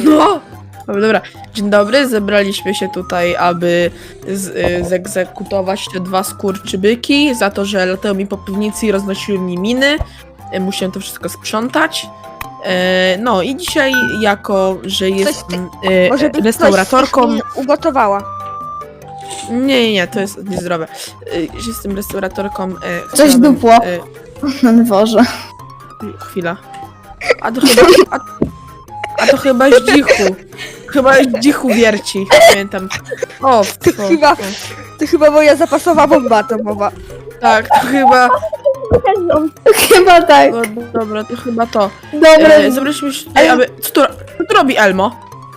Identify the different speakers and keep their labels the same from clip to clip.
Speaker 1: No! Dobra, dzień dobry, zebraliśmy się tutaj, aby zegzekutować te dwa skurczybyki za to, że latały mi po piwnicy i roznosiły mi miny. Musiałem to wszystko sprzątać. No i dzisiaj, jako że jestem restauratorką...
Speaker 2: Coś ugotowała.
Speaker 1: Nie, to jest niezdrowe. Że jestem restauratorką...
Speaker 3: Coś dupło. Na dworze.
Speaker 1: Chwila. A to chyba zdzichu. Chyba zdzichu wierci, pamiętam. O,
Speaker 2: To chyba moja zapasowa bomba atomowa.
Speaker 1: tak, to chyba...
Speaker 3: Chyba tak.
Speaker 1: No, dobra, to chyba to.
Speaker 3: Dobra.
Speaker 1: Zobaczmy się tutaj, aby... Co tu robi Elmo?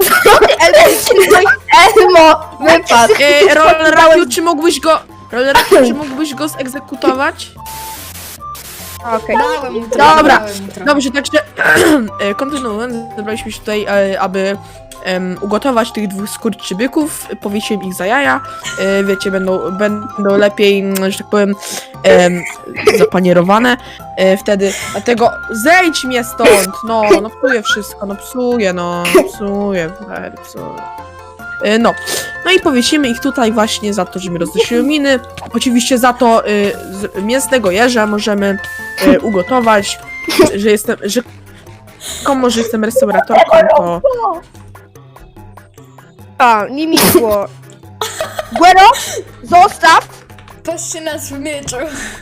Speaker 3: Elmo, wypadł.
Speaker 1: Rolerakiu, czy mógłbyś go zegzekutować?
Speaker 2: Okej.
Speaker 1: Dobra, dobrze, także kontynuując, zebraliśmy się tutaj, aby ugotować tych dwóch skurczybyków, powiesiłem ich za jaja, wiecie, będą lepiej, że tak powiem, zapanierowane wtedy, dlatego zejdź mnie stąd, no psuję wszystko, psuję. No i powiesimy ich tutaj właśnie za to, że mi roznosiły miny. Oczywiście za to mięsnego jeża możemy ugotować, że jestem restauratorką, to...
Speaker 2: A, nie miło. Guero, zostaw!
Speaker 4: Patrzcie nas w mieczu.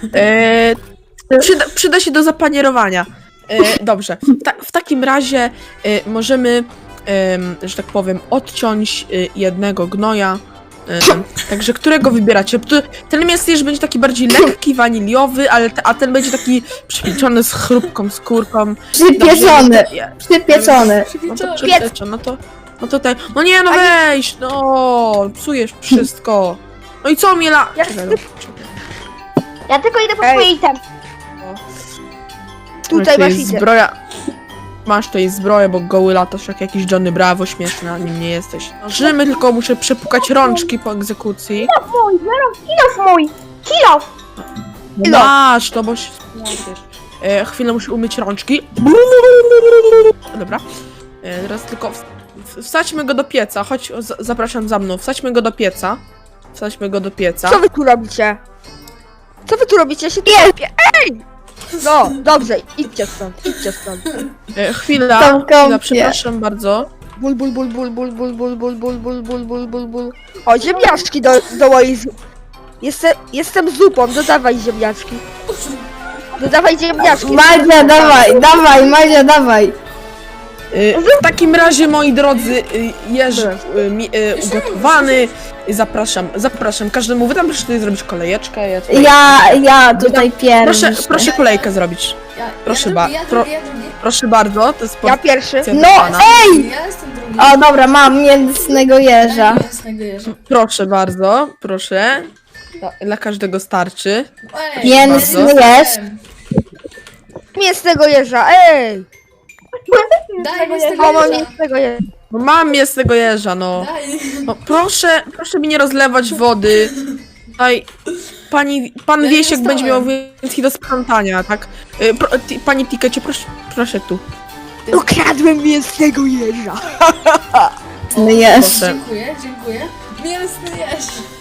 Speaker 1: Przyda się do zapanierowania. Dobrze, w takim razie możemy, że tak powiem, odciąć jednego gnoja. Także którego wybieracie? Ten mięsny będzie taki bardziej lekki, waniliowy, a ten będzie taki przypieczony z chrupką skórką.
Speaker 3: Przypieczony. Przypieczony.
Speaker 1: No to ten. No nie, no weź, no psujesz wszystko. No i co mnie
Speaker 5: Ja tylko idę po swoje item.
Speaker 2: Tutaj masz
Speaker 1: jest
Speaker 2: item.
Speaker 1: zbroja. Masz tutaj zbroję, bo goły latasz jak jakiś Johnny Bravo, śmieszny, a nim nie jesteś. Żymy, tylko muszę przepukać rączki po egzekucji.
Speaker 5: Kilof mój! Kilof!
Speaker 1: Masz, to bo się spłacisz. Chwilę muszę umyć rączki. Dobra. Teraz tylko wsadźmy go do pieca. Chodź, zapraszam za mną. Wsadźmy go do pieca.
Speaker 2: Co wy tu robicie? Co wy tu robicie? Ja się tu lepiej. Ej! No, dobrze, idźcie stąd.
Speaker 1: Chwila, przepraszam bardzo.
Speaker 2: Ból. O, ziemniaczki do mojej Jestem zupą, dodawaj ziemniaczki. Dodawaj ziemniaczki.
Speaker 3: Madzia, Madzia, dawaj.
Speaker 1: W takim razie, moi drodzy, jeż ugotowany. Zapraszam każdemu. Wy tam proszę tutaj zrobić kolejeczkę.
Speaker 3: Ja tutaj pierwszy.
Speaker 1: Proszę kolejkę zrobić. Proszę bardzo, to jest
Speaker 2: Ja pierwszy.
Speaker 3: No, ej!
Speaker 4: Ja jestem drugi.
Speaker 3: O, dobra, mam mięsnego jeża.
Speaker 4: Mięsnego jeża.
Speaker 1: Proszę bardzo, proszę. Dla każdego starczy.
Speaker 4: Ej,
Speaker 3: Mięsny
Speaker 4: bardzo
Speaker 3: jeż.
Speaker 4: chcę.
Speaker 2: Mięsnego jeża, ej!
Speaker 4: Daj mięsnego
Speaker 2: O, mam
Speaker 4: jeża.
Speaker 2: mięsnego jeża.
Speaker 1: No mam mięsnego jeża, no.
Speaker 4: Daj.
Speaker 1: No proszę mi nie rozlewać wody. Tutaj pan
Speaker 4: Ja
Speaker 1: Wiesiek
Speaker 4: nie
Speaker 1: będzie miał
Speaker 4: dostałem.
Speaker 1: więcej do sprzątania, tak? Pani Tikecie, proszę tu.
Speaker 2: Ukradłem mięsnego jeża.
Speaker 3: Mięsny jeż.
Speaker 1: Proszę.
Speaker 4: Dziękuję. Mięsny jeż.